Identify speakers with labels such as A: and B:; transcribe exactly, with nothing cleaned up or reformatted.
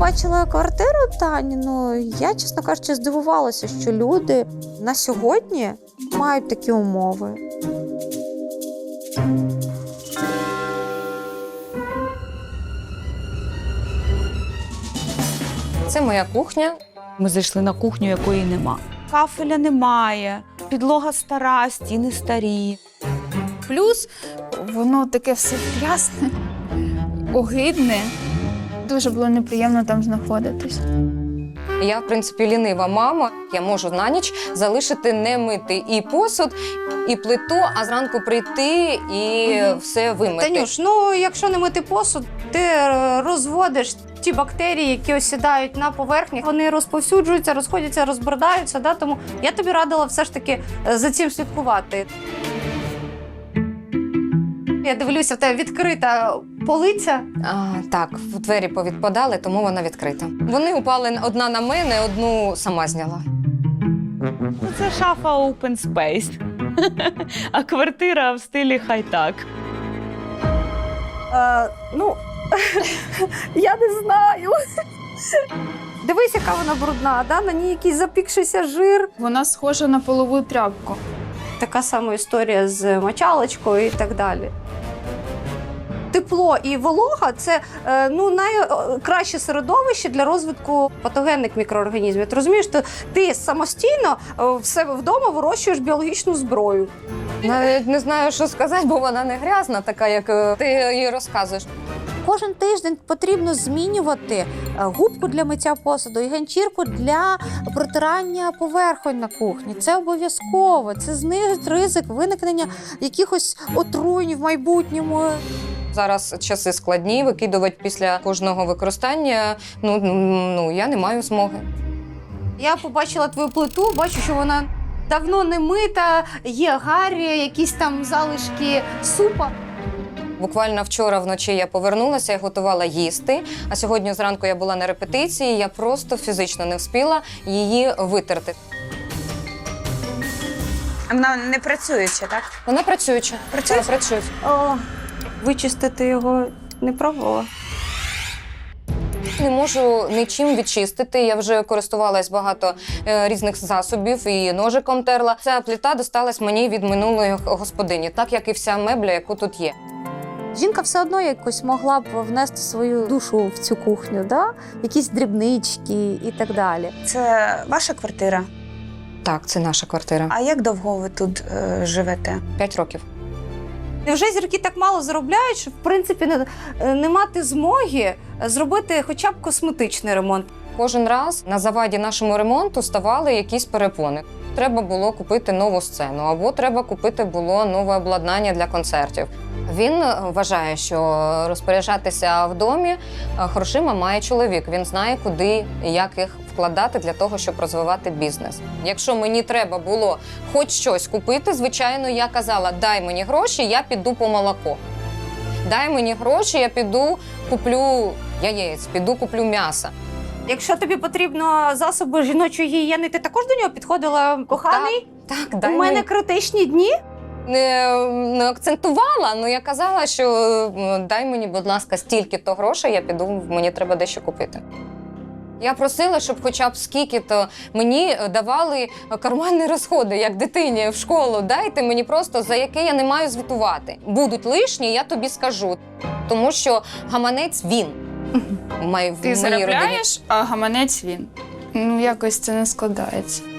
A: побачила квартиру Тані, ну, я, чесно кажучи, здивувалася, що люди на сьогодні мають такі умови.
B: Це моя кухня.
C: Ми зайшли на кухню, якої нема. Кафеля немає, підлога стара, стіни старі.
D: Плюс воно таке все трясне, огидне. Дуже було неприємно там знаходитись.
B: Я, в принципі, лінива мама. Я можу на ніч залишити не мити і посуд, і плиту, а зранку прийти і угу. все вимити.
E: Танюш, ну якщо не мити посуд, ти розводиш ті бактерії, які осідають на поверхні. Вони розповсюджуються, розходяться, розбродаються. Да? Тому я тобі радила все ж таки за цим слідкувати. Я дивлюся, в тебе відкрита полиця.
B: А, так, двері повідпадали, тому вона відкрита. Вони упали одна на мене, одну сама зняла.
C: Це шафа open space, а квартира в стилі хай-так.
E: Е, ну, я не знаю. Дивись, яка вона брудна, да? На ній якийсь запікшийся жир.
D: Вона схожа на полову тряпку.
E: Така сама історія з мочалочкою і так далі. Тепло і волога – це ну, найкраще середовище для розвитку патогенних мікроорганізмів. Ти розумієш, що ти самостійно в себе вдома вирощуєш біологічну зброю.
B: Навіть не знаю, що сказати, бо вона не грязна, така, як ти їй розказуєш.
A: Кожен тиждень потрібно змінювати губку для миття посуду і ганчірку для протирання поверхонь на кухні. Це обов'язково. Це знизить ризик виникнення якихось отруєнь в майбутньому.
B: Зараз часи складні, викидувати після кожного використання, ну, ну я не маю змоги.
E: Я побачила твою плиту, бачу, що вона давно не мита, є гарі, якісь там залишки супа.
B: Буквально вчора вночі я повернулася і готувала їсти, а сьогодні зранку я була на репетиції, я просто фізично не встигла її витерти.
C: А вона не працююча, так?
B: Вона працююча.
C: Працююча?
B: Вона працює.
E: О, вичистити його не пробувала.
B: Не можу нічим відчистити, я вже користувалась багато е, різних засобів і ножиком терла. Ця плита досталась мені від минулої господині, так як і вся мебля, яку тут є.
A: Жінка все одно якось могла б внести свою душу в цю кухню, да? Якісь дрібнички і так далі.
C: Це ваша квартира?
B: Так, це наша квартира.
C: А як довго ви тут е, живете?
B: П'ять років.
E: Невже зірки так мало заробляють, що, в принципі, не, не мати змоги зробити хоча б косметичний ремонт?
B: Кожен раз на заваді нашому ремонту ставали якісь перепони. Треба було купити нову сцену, або треба купити було нове обладнання для концертів. Він вважає, що розпоряджатися в домі грошима має чоловік. Він знає, куди і як їх вкладати для того, щоб розвивати бізнес. Якщо мені треба було хоч щось купити, звичайно, я казала, дай мені гроші, я піду по молоко. Дай мені гроші, я піду куплю яєць, піду куплю м'ясо.
E: Якщо тобі потрібно засоби жіночої гігієни, ти також до нього підходила, коханий?
B: Так, так, дай
E: У мене
B: мені.
E: критичні дні.
B: Не, не акцентувала, але я казала, що дай мені, будь ласка, стільки-то грошей, я піду, мені треба дещо купити. Я просила, щоб хоча б скільки-то мені давали карманні розходи, як дитині в школу. Дайте мені просто, за яке я не маю звітувати. Будуть лишні, я тобі скажу. Тому що гаманець він. Має в
D: Ти
B: моїй родині.
D: заробляєш, а гаманець він. Ну, якось це не складається.